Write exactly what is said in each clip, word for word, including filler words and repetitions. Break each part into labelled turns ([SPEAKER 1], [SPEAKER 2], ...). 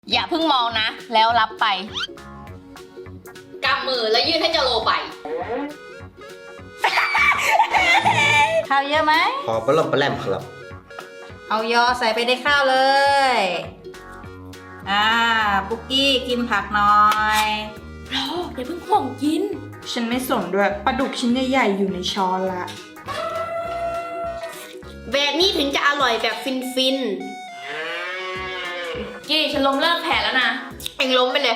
[SPEAKER 1] อย่าเพิ่งมองนะแล้วรับไปกำมือแล้วยื่นให้เจโลไป
[SPEAKER 2] ข้าวเยอะไหม
[SPEAKER 3] พอปลาล่อมปลาแรมครับ
[SPEAKER 2] เอายอใส่ไปในข้าวเลย อ่าปุกกี้กินผักหน่อย
[SPEAKER 1] รออย่าเพิ่งห่วงกิน
[SPEAKER 4] ฉันไม่สนด้วยปลาดุกชิ้นใหญ่ๆอยู่ในช้อนละ
[SPEAKER 5] แบบนี้ถึงจะอร่อยแบบฟินฟิน
[SPEAKER 1] กี้ฉันล้มเลิกแผลแล้วนะ
[SPEAKER 5] เอ็งล้มไปเลย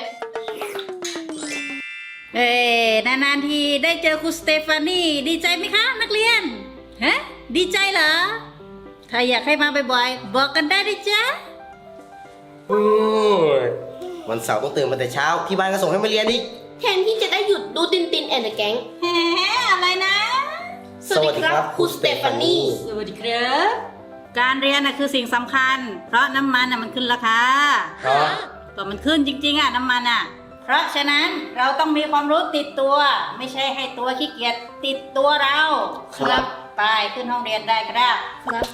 [SPEAKER 2] เอ้นานๆทีได้เจอครูสเตฟานีดีใจไหมคะนักเรียนฮะดีใจเหรอถ้าอยากให้มาบ่อยๆบอกกันได้ดิจ๊ะ
[SPEAKER 3] วันเสาร์ต้องตื่นมาแต่เช้าที่บ้านก็ส่งให้มาเรียนอีก
[SPEAKER 5] แทนที่จะได้หยุดดูตินตินแอนด์แก๊ง
[SPEAKER 2] แฮอะไรนะ
[SPEAKER 5] สวัสดีครับครูสเตฟานี
[SPEAKER 2] สวัสดีครับการเรียนน่ะคือสิ่งสำคัญเพราะน้ำมันน่ะมันขึ้นราคา
[SPEAKER 3] เพราะ
[SPEAKER 2] ก็มันขึ้นจริงๆอ่ะน้ำมันอ่ะเพราะฉะนั้นเราต้องมีความรู้ติดตัวไม่ใช่ให้ตัวขี้เกียจติดตัวเราครับไปขึ้นห้องเรียนได้ครับครับ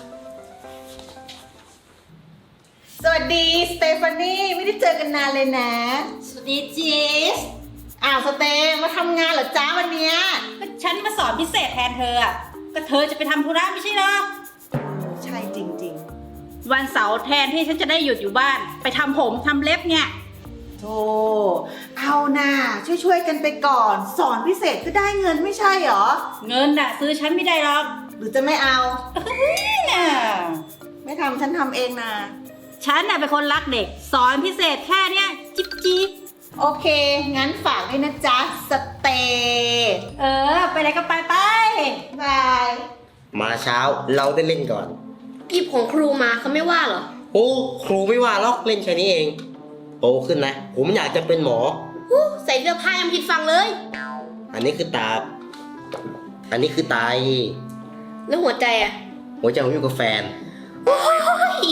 [SPEAKER 4] สวัสดีสเตฟานีไม่ได้เจอกันนานเลยนะ
[SPEAKER 2] สวัสดีจีส
[SPEAKER 4] อ้าวสเตมาทำงานเหรอจ้าวันเนี้ย
[SPEAKER 2] ก็ฉันมาสอนพิเศษแทนเธออ่ะก็เธอจะไปทำธุระไม่ใช่หรอ
[SPEAKER 4] ใช่จริง
[SPEAKER 2] ๆวันเสาร์แทนที่ฉันจะได้หยุดอยู่บ้านไปทำผมทำเล็บเนี่ย
[SPEAKER 4] โธ่เอาน่ะช่วยๆกันไปก่อนสอนพิเศษก็ได้เงินไม่ใช่หรอ
[SPEAKER 2] เงินน่ะซื้อฉันไม่ได้หรอก
[SPEAKER 4] หรือจะไม่เอา
[SPEAKER 2] น่ะ
[SPEAKER 4] ไม่ทำฉันทำเองนะ
[SPEAKER 2] ฉันน่ะเป็นคนรักเด็กสอนพิเศษแค่เนี้ยจิ๊บจิ๊บ
[SPEAKER 4] โอเคงั้นฝากด้วยนะจ๊ะสเต
[SPEAKER 2] เออไปไหนก็ไปไป
[SPEAKER 4] บาย
[SPEAKER 3] มาเช้าเราได้เล่นก่อน
[SPEAKER 5] หยิบของครูมาเขาไม่ว่าเหรอ
[SPEAKER 3] โอ้ครูไม่ว่าหรอกเล่นแค่นี้เองโตขึ้นนะผมอยากจะเป็นหมอ
[SPEAKER 5] ใส่เสื้อผ้ายังผิดฟังเลย
[SPEAKER 3] อันนี้คือตาอันนี้คือไต
[SPEAKER 5] แล้วหัวใจอ่ะ
[SPEAKER 3] หัวใจผมอยู่กับแฟน
[SPEAKER 5] โอ้ย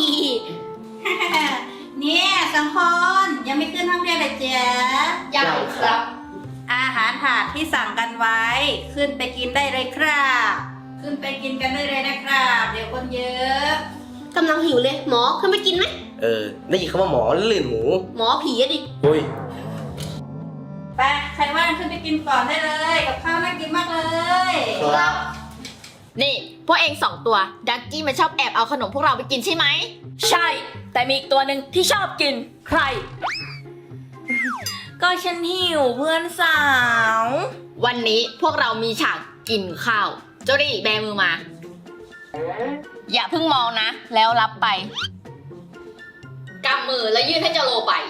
[SPEAKER 2] เนี่ยสองคนยังไม่ขึ้นห้องเรียนเลยเจ๊
[SPEAKER 5] ยังครับ
[SPEAKER 2] อาหารถาดที่สั่งกันไว้ขึ้นไปกินได้เลยครับขึ้นไปกินกันได้เลยนะครับเดี๋ยวคนเยอะ
[SPEAKER 5] กำลังหิวเลยหมอขึ้นไปกินไหม
[SPEAKER 3] เออได้ยินคำว่าหมอลื่นหมู
[SPEAKER 5] หมอผีอะดิ
[SPEAKER 3] เฮ้ย
[SPEAKER 2] ไปใครว่างขึ้นไปกินก่อนได้เลยกับข้าวน่ากินมากเลย
[SPEAKER 3] ครับ
[SPEAKER 1] นี่พวกเองสองตัวดักกี้มันชอบแอบเอาขนมพวกเราไปกินใช่ไหมใช่แต่มีอีกตัวหนึ่งที่ชอบกินใครก็ฉันหิวเพื่อนสาววันนี้พวกเรามีฉากกินข้าวโจดี้แบมือมาอย่าเพิ่งมองนะแล้วรับไปกำมือแล้วยื่นให้เจโลไป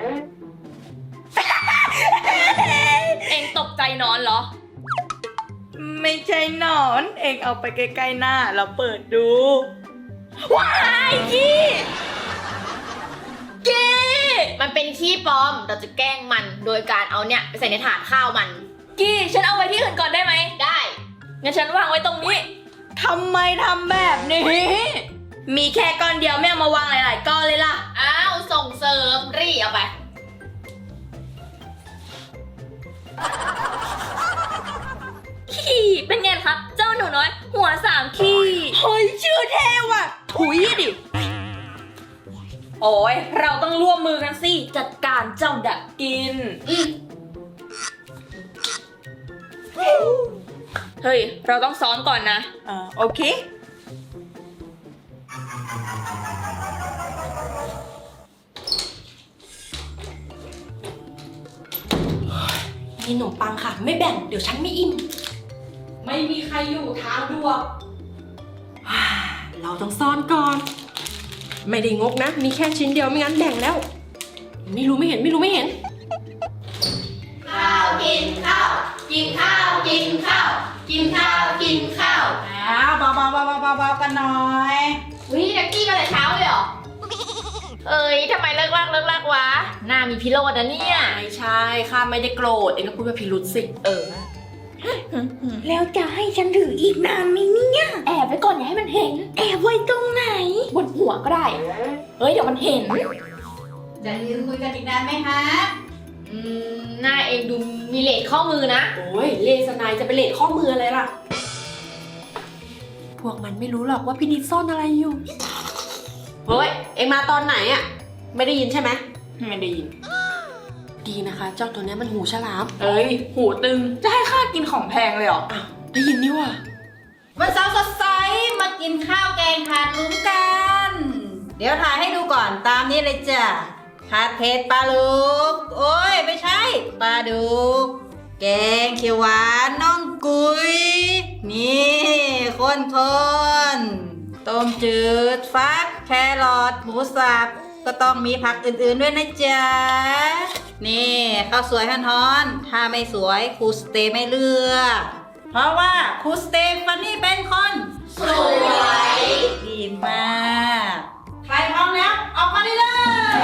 [SPEAKER 1] เองตกใจนอนเหรอ
[SPEAKER 4] ไม่ใช่นอนเองเอาไปใกล้ๆหน้าเราเปิดดู
[SPEAKER 1] ว้ายกี้กี้มันเป็นขี้ปลอมเราจะแกล้งมันโดยการเอาเนี่ยไปใส่ในถาดข้าวมันกี้ฉันเอาไว้ที่อื่นก่อนได้ไหมได้งั้นฉันวางไว้ตรงนี้
[SPEAKER 4] ทำไมทำแบบนี้
[SPEAKER 1] มีแค่ก้อนเดียวไม่เอามาวางหลายๆก้อนเลยล่ะอ้าวส่งเสริมรีเอาไปขี้เป็นไงครับเจ้าหนูน้อยหัวสามขี้
[SPEAKER 4] เฮ้ยชื่อเท่ว่ะถุยดิ
[SPEAKER 1] โอ้ยเราต้องร่วมมือกันสิจัดการเจ้าดักกินเฮ้ยเราต้องซ้อมก่อนนะ
[SPEAKER 4] อ่าโอเค
[SPEAKER 1] มีขนมปังค่ะไม่แบ่งเดี๋ยวฉันไม่อิ่มไม่มีใครอยู่ทางดวก
[SPEAKER 4] เราต้องซ่อนก่อนไม่ได้งกนะมีแค่ชิ้นเดียวไม่งั้นแบ่งแล้วไม่รู้ไม่เห็นไม่รู้ไม่เห็น
[SPEAKER 5] ข้าวกินข้าวกินข้าวกินข้าวกินข้าวกินข้าว
[SPEAKER 2] อ้าวเบาๆเบาๆเบาๆกันหน่อย
[SPEAKER 1] วิดักกี้มาแต่เช้าเลยเหรอเอ้ยทำไมเลิกลากเลิกลากวะหน้ามีพิโรธนะเนี่ย
[SPEAKER 4] ไม่ใช่ข้าไม่ได้โกรธเองก็พูดว่าพิรุษสิ
[SPEAKER 1] เออ
[SPEAKER 5] แล้วจะให้ฉันถืออีกนานไหมเนี่ย
[SPEAKER 1] แอบไว้ก่อนอย่าให้มันเห็น
[SPEAKER 5] แอบไว้ตรงไหน
[SPEAKER 1] บนหัวก็ได้เฮ้ยเดี๋ยวมันเห็น
[SPEAKER 2] จะยืนคุยกันอีกนานไหมฮะ
[SPEAKER 1] อืมหน้าเองดูมีเลสข้อมือนะ
[SPEAKER 4] โอ้ยเลสนายจะไปเลสข้อมืออะไรล่ะพวกมันไม่รู้หรอกว่าพี่นิดซ่อนอะไรอยู่เฮ้ยเอ็งมาตอนไหนอะไม่ได้ยินใช่ไหมไม่ได้ยิน ดีนะคะ เจ้าตัวเนี้ยมันหูฉลาม เอ้ย หูตึง จะให้ข้ากินของแพงเลยเหรออ้าวได้ยินนี่ว่ะ
[SPEAKER 2] วันเสาร์สดใสมากินข้าวแกงถาดหลุมกัน เดี๋ยวถ่ายให้ดูก่อนตามนี้เลยจ้ะถาดเผ็ดปลาลูกโอ้ยไม่ใช่ปลาดุกแกงเขียวหวานน้องกุยนี่คนคนๆต้มจืดฟักแครอทหมูสับก็ต้องมีผักอื่นๆด้วยนะจ๊ะนี่ข้าวสวยฮ้อนๆถ้าไม่สวยครูสเตย์ไม่เลือกเพราะว่าครูสเตฟานี่เป็นคน
[SPEAKER 5] สวย
[SPEAKER 2] ดีมากใครพร้อมแล้วออกมาได้เลย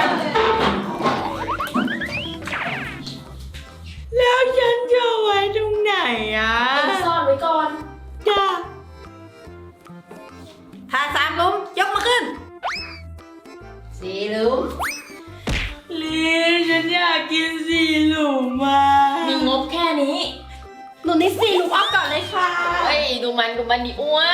[SPEAKER 4] แล้วฉันจะไว้ตรงไหนอ่ะ
[SPEAKER 1] ซ่อนไว้ก่อน
[SPEAKER 4] จ้า
[SPEAKER 2] ถ้าสามหลุมยกมาขึ้นสี่หลุม
[SPEAKER 4] ลีฉันอยากกินสีหลุมมา
[SPEAKER 1] มีงบแค่นี้
[SPEAKER 4] หนูนี่สีหลุมเอาก่อนเลยค่ะ
[SPEAKER 1] เฮ้ย ดูมันดูมันดิอ้วน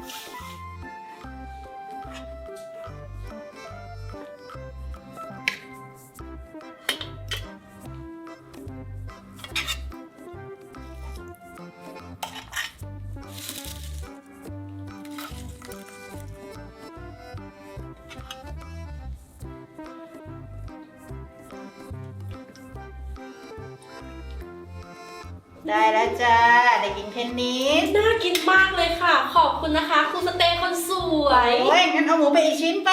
[SPEAKER 2] ได้แล้วจ้าได้กินเทนนิส
[SPEAKER 4] น่ากินมากเลยค่ะ ขอบคุณนะคะคุณสเตย์คนสวย
[SPEAKER 2] โอ้ยงั้นเอาหมูไปอีกชิ้นไป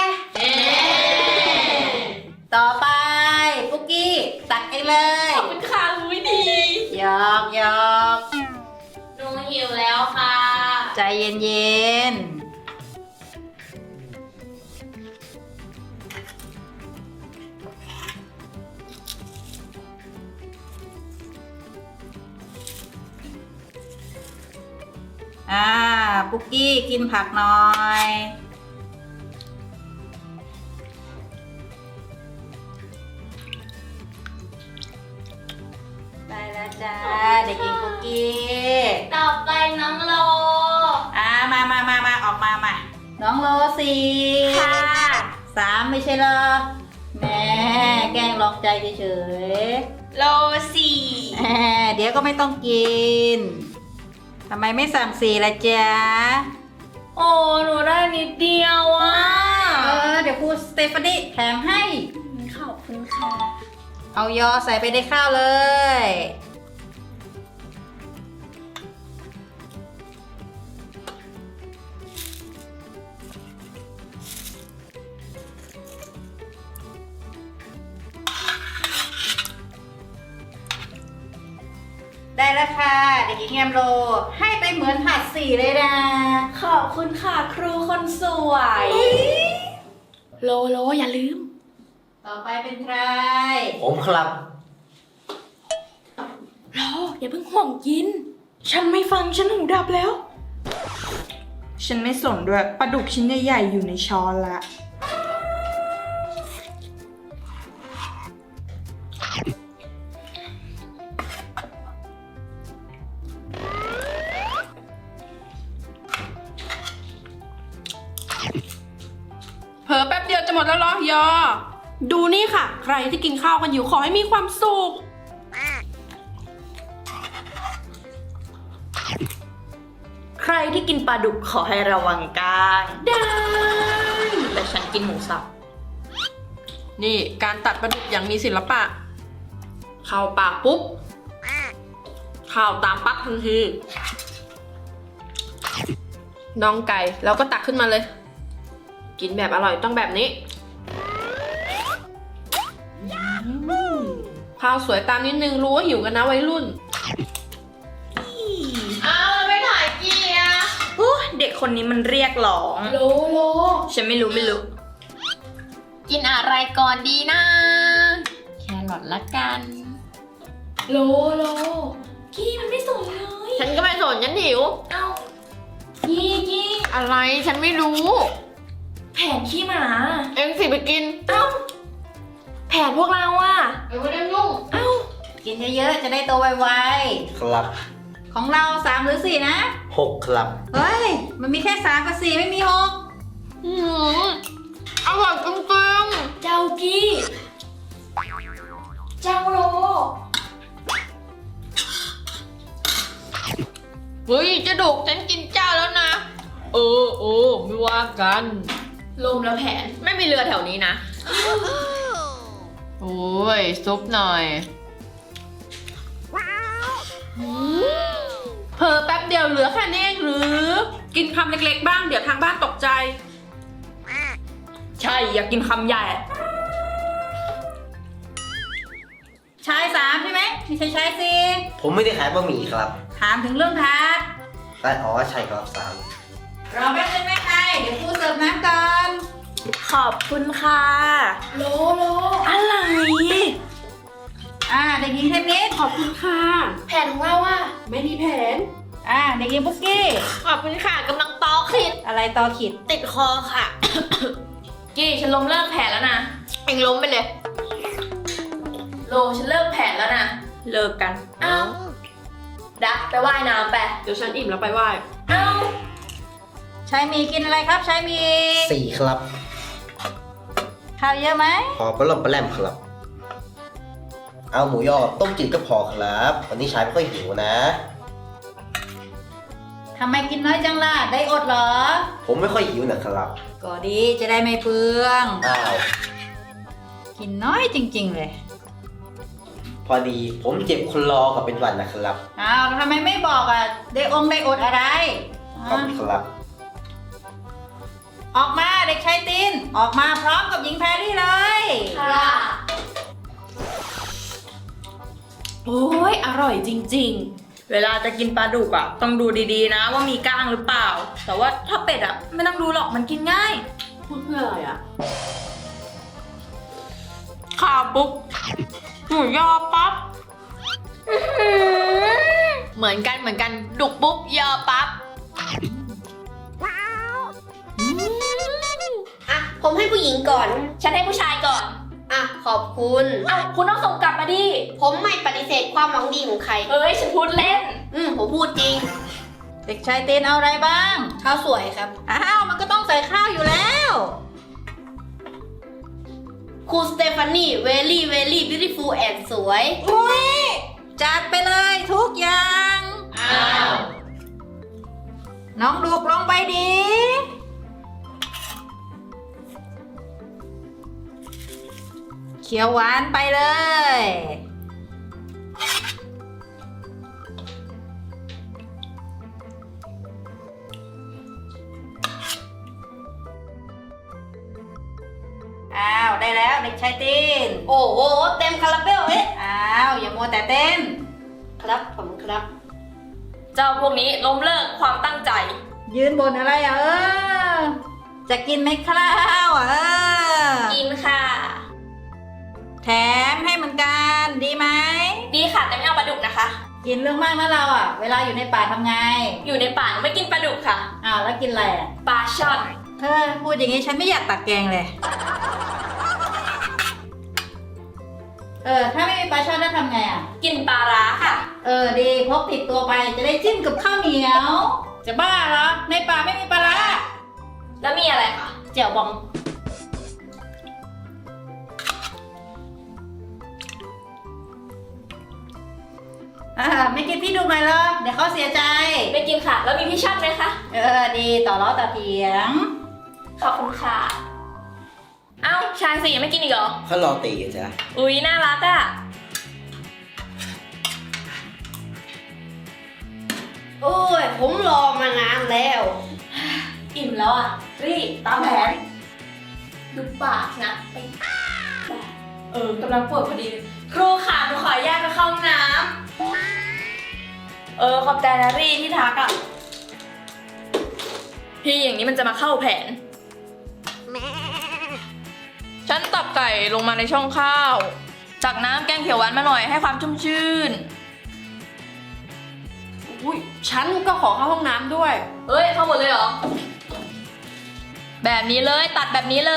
[SPEAKER 2] ต่อไปปุ๊กกี้ตักเองเลย
[SPEAKER 4] ขอบคุณค่ะอุ้ยดี
[SPEAKER 2] หยอกหยอก
[SPEAKER 1] หนูหิวแล้วค่ะ
[SPEAKER 2] ใจเย็นเย็นอ่าปุ๊กกี้กินผักหน่อย ได้แล้วจ้าเด็กหญิงปุ๊กกี้
[SPEAKER 1] ต่อไปน้องโล
[SPEAKER 2] อ่ามามามามาออกมามาน้องโลสี่
[SPEAKER 1] ค่ะ
[SPEAKER 2] สามไม่ใช่เหรอแหม่แกล้งหลอกใจเฉย
[SPEAKER 1] โลสี่
[SPEAKER 2] ๆแหมเดี๋ยวก็ไม่ต้องกินทำไมไม่สั่งสี่ละจ๊ะ
[SPEAKER 1] โอ้หนูได้นิดเดียวอ่ะ
[SPEAKER 2] เออเดี๋ยวครูสเตฟานีแถมให้
[SPEAKER 1] ขอบคุณค่ะ
[SPEAKER 2] เอายอใส่ไปในข้าวเลย ได้แล้วค่ะเด็กหญิงแอมโลให้ไปเหมือนผัดสี่เลยนะ
[SPEAKER 1] ขอบคุณค่ะครูคนสวย
[SPEAKER 4] โลโลอย่าลืม
[SPEAKER 2] ต่อไปเป็นใคร
[SPEAKER 3] ผมครับ
[SPEAKER 4] โลอย่าเพิ่งห่วงกิน ฉันไม่ฟังฉันหูดับแล้ว
[SPEAKER 6] ฉันไม่สนด้วยปลาดุกชิ้นใหญ่ๆอยู่ในช้อนละ
[SPEAKER 4] เผลอแป๊บเดียวจะหมดแล้วเหรอยอ ดูนี่ค่ะ ใครที่กินข้าวกันอยู่ขอให้มีความสุข
[SPEAKER 1] ใครที่กินปลาดุกขอให้ระวังกลาง
[SPEAKER 4] ได้
[SPEAKER 1] แต่ฉันกินหมูสับ
[SPEAKER 4] นี่การตัดปลาดุกอย่างมีศิลปะ เข้าปากปุ๊บ เข้าตามปั๊กทันที น้องไก่เราก็ตักขึ้นมาเลย กินแบบอร่อยต้องแบบนี้ ข้าวสวยตามนิดนึงรู้ว่าหิวกันนะวัยรุ่น
[SPEAKER 1] อ้าวไม่ถ่ายกี่อ่ะ
[SPEAKER 6] โอ้เด็กคนนี้มันเรียกร้อง
[SPEAKER 1] โลโล
[SPEAKER 6] ฉันไม่รู้ไม่รู้
[SPEAKER 1] กินอะไรก่อนดีนะ แครอทละกัน โลโลกี้มันไม่สนเลย ฉันก็ไม่สนฉันหิว เอ้ากี้กี้อะไรฉันไม่รู้ แผนขี้หมา เอ็งสิไปกิน เอ้า แผนพวกเราอ่ะเอ็งไม่ได้ยุ่ง เอ้า
[SPEAKER 2] กินเยอะๆจะได้โตไว
[SPEAKER 3] ครับ
[SPEAKER 2] ๆของเราสามหรือสี่นะ
[SPEAKER 3] หกครับ
[SPEAKER 2] เฮ้ย มันมีแค่สามกับสี่ไม่มีหก
[SPEAKER 1] อืมอร่อยจริงๆเจ้ากี้
[SPEAKER 5] เจ้าโล
[SPEAKER 1] เฮ้ยเจะดุกฉันกินเจ้าแล้วนะ
[SPEAKER 4] เออเออไม่ว่ากัน
[SPEAKER 1] ลมแล้วแผนไม่มีเรือแถวนี้นะ โอ้ย ซุปหน่อยเพอแป๊บเดียวเหลือแค่นี้เองหรือ
[SPEAKER 4] กินคำเล็กๆบ้างเดี๋ยวทางบ้านตกใจ ใช่อยากกินคำใหญ่
[SPEAKER 2] ชายสามใช่ไหมไม่ใช่ชายสี่
[SPEAKER 3] ผมไม่ได้ขายบะหมี่ครับ
[SPEAKER 2] ถามถึงเรื่องทาร์ต
[SPEAKER 3] แต่อ๋อใช่ครับสาม
[SPEAKER 2] รอแป๊บนึงแม่ไอเดี๋ยวครูเสิร์ฟน้ำก่อน
[SPEAKER 6] ขอบคุณค่ะ
[SPEAKER 5] โลโล
[SPEAKER 6] อะไร
[SPEAKER 2] อ่าเด็กหญิงเทนนิส
[SPEAKER 4] ขอบคุณค่ะ
[SPEAKER 5] แผนของเราอะ
[SPEAKER 4] ไม่มีแผน
[SPEAKER 2] อ่าเด็กหญิงปุ๊กกี้
[SPEAKER 1] ขอบคุณค่ะกำลังตอขิด
[SPEAKER 2] อะไรต่อขิด
[SPEAKER 1] ติดคอค่ะ กี้ฉันล้มเลิกแผนแล้วนะ เองล้มไปเลย โลฉันเลิกแผนแล้วนะ
[SPEAKER 6] เลิกกัน
[SPEAKER 1] เอ้าดักไปว่ายน้ำไป
[SPEAKER 4] เดี๋ยวฉันอิ่มแล้วไปไหว้
[SPEAKER 1] เอ้า
[SPEAKER 2] ชายหมีกินอะไรครับชายหมี
[SPEAKER 3] สี่ครับ
[SPEAKER 2] ข้าวเยอะไหม
[SPEAKER 3] พอปลาล่อมปลาแลมครับ เอาหมูยอกับต้มจืดก็พอครับ วันนี้ชายไม่ค่อยหิวนะ
[SPEAKER 2] ทำไมกินน้อยจังล่ะได้อดเหรอ
[SPEAKER 3] ผมไม่ค่อยหิวนะครับ
[SPEAKER 2] ก็ดีจะได้ไม่เปลือง
[SPEAKER 3] อ้าว
[SPEAKER 2] กินน้อยจริง ๆ เลย
[SPEAKER 3] พอดีผมเจ็บคนรอกับเป็นหวันนะครับ
[SPEAKER 2] อ้าวแล้วทำไมไม่บอกอ่ะได้องค์ได้อดอะไร
[SPEAKER 3] ขอบคุณครับ
[SPEAKER 2] ออกมาเด็กชายตินออกมาพร้อมกับหญิงแพรรี่เลย
[SPEAKER 5] ค่ะ
[SPEAKER 6] โอ้ยอร่อยจริงๆ เวลาจะกินปลาดุกอ่ะ ต้องดูดีๆนะว่ามีก้างหรือเปล่า แต่ว่าถ้าเป็ดอ่ะ ไม่ต้องดูหรอกมันกินง่าย
[SPEAKER 4] พูดเพื่ออะไรอ่ะ
[SPEAKER 6] ข่าวปุ๊บหมูยอปั๊บ
[SPEAKER 1] เหมือนกันเหมือนกันดุกปุ๊บยอปั๊บ
[SPEAKER 5] อ่ะ ผมให้ผู้หญิงก่อน
[SPEAKER 1] ฉันให้ผู้ชายก่อน
[SPEAKER 5] อ่ะ ขอบคุณ
[SPEAKER 1] เอ้าคุณต้องส่งกลับมาดิ
[SPEAKER 5] ผมไม่ปฏิเสธความหวังดีของใคร
[SPEAKER 1] เอ้ยฉันพูดเล่น
[SPEAKER 5] อืม ผมพูดจริง
[SPEAKER 2] เด็กชายตินเอาอะไรบ้าง
[SPEAKER 5] ข้าวสวยครับ
[SPEAKER 2] อ้าวมันก็ต้องใส่ข้าวอยู่แล้ว
[SPEAKER 5] ครูสเตฟานี่ เวลี่ เวลี่ บิวตี้ฟูลแอนด์สวย
[SPEAKER 2] อุ้ยจัดไปเลยทุกอย่าง
[SPEAKER 1] อ้าว
[SPEAKER 2] น้องดูกลงไปดีเขียวหวานไปเลย อ้าว ได้แล้วเด็กชายติน
[SPEAKER 5] โอ้โห เต็มคาราเบลเอ๊ะ
[SPEAKER 2] อ้าว อย่ามัวแต่เต้น
[SPEAKER 5] ครับผมครับ
[SPEAKER 1] เจ้าพวกนี้ล้มเลิกความตั้งใจ
[SPEAKER 2] ยืนบนอะไรอ่ะเออ จะกินไหมข้าวอ่ะเออ
[SPEAKER 1] กินค่ะ
[SPEAKER 2] แถมให้เหมือนกันดีไหม
[SPEAKER 1] ดีค่ะแต่ไม่เอาปลาดุกนะคะ
[SPEAKER 2] กินเรื่องมากนะเราอ่ะ เวลาอยู่ในป่าทำไง
[SPEAKER 1] อยู่ในป่าหนูไม่กินปลาดุกค่ะ
[SPEAKER 2] อ้าวแล้วกินอะไรอ่ะ
[SPEAKER 1] ปลาช่อน
[SPEAKER 2] เธอพูดอย่างนี้ฉันไม่อยากตักแกงเลย เออ ถ้าไม่มีปลาช่อนจะทำไงอ่ะ
[SPEAKER 1] กินปลาร้าค่ะ
[SPEAKER 2] เออดีพกติดตัวไปจะได้จิ้มกับข้าวเหนียว จะบ้าเหรอ ในป่าไม่มีปลาร้า
[SPEAKER 1] แล้วมีอะไรคะเจียวบอง
[SPEAKER 2] อ่าไม่กินพี่ดูหน่อยเหรอเดี๋ยวเขาเสียใจ
[SPEAKER 1] ไม่กินค่ะ แล้วมีพี่ช่อนไหมคะ
[SPEAKER 2] เออดีต่อล้อต่อเถียง
[SPEAKER 1] ขอบคุณค่ะ เอ้าชายสี่ยังไม่กินอีกเหรอ
[SPEAKER 3] เขารอตีกันจ้ะ
[SPEAKER 1] อุ๊ยน่ารักอ่ะ
[SPEAKER 5] โอ้ย ผมรอมานานแล้ว
[SPEAKER 1] อิ่มแล้วอ่ะ รีบตามแผนดูปากนะไปเออกำลังปวดพอดีเลยครูค่ะหนูขออนุญาตไปเข้าห้องน้ำเออขอบใจนะรีที่ทักอ่ะ พี่อย่างนี้มันจะมาเข้าแผน ฉันตับไก่ลงมาในช่องข้าว จากน้ำแกงเขียวหวานมาหน่อยให้ความชุ่มชื่น
[SPEAKER 4] อุ้ยฉันก็ขอเข้าห้องน้ำด้วย
[SPEAKER 1] เอ้ย เข้าหมดเลยเหรอ แบบนี้เลยตัดแบบนี้เลย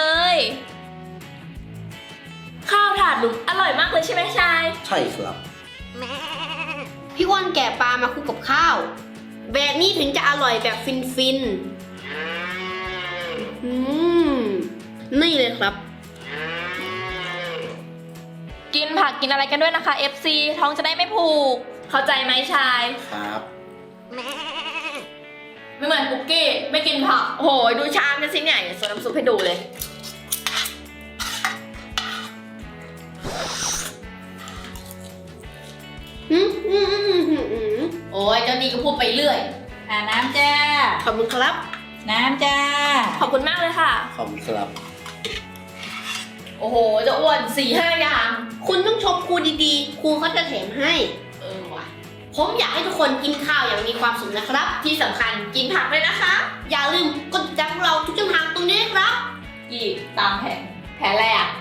[SPEAKER 1] ข้าวถาดหลุมอร่อยมากเลยใช่ไหมชาย
[SPEAKER 3] ใช่ครับ
[SPEAKER 5] พี่อ้วนแก่ปลามาคลุกกับข้าว แบบนี้ถึงจะอร่อยแบบฟินฟินๆอืม นี่เลยครับ
[SPEAKER 1] กินผักกินอะไรกันด้วยนะคะ เอฟ ซี ท้องจะได้ไม่ผูก เข้าใจไหมชาย
[SPEAKER 3] ครับ
[SPEAKER 1] ไม่เหมือนคุกกี้ ไม่กินผัก โอ้โห ดูชามกันสิเนี่ยส่วนน้ำซุปให้ดูเลย
[SPEAKER 5] อืมอืมอืมอืมอืม
[SPEAKER 1] โอ้ยเจ้านี่ก็พูดไปเรื่อย
[SPEAKER 2] อ่าน้ำจ้า
[SPEAKER 1] ขอบคุณครับ
[SPEAKER 2] น้ำจ้า
[SPEAKER 1] ขอบคุณมากเลยค่ะ
[SPEAKER 3] ขอบคุณครับ
[SPEAKER 1] โอ้โหเจะอ้วนสี่ห้าอย่าง
[SPEAKER 5] คุณต้องชมครูดีๆ ครูเขาจะแถมให้
[SPEAKER 1] เออว่ะ
[SPEAKER 5] ผมอยากให้ทุกคนกินข้าวอย่างมีความสุขนะครับ
[SPEAKER 1] ที่สำคัญกินผักด้วยนะคะ
[SPEAKER 5] อย่าลืมกดติดตามพวกเราทุกช่องทางตรงนี้นะครับ
[SPEAKER 1] กี่ตามแผน แผนอะไรอ่ะ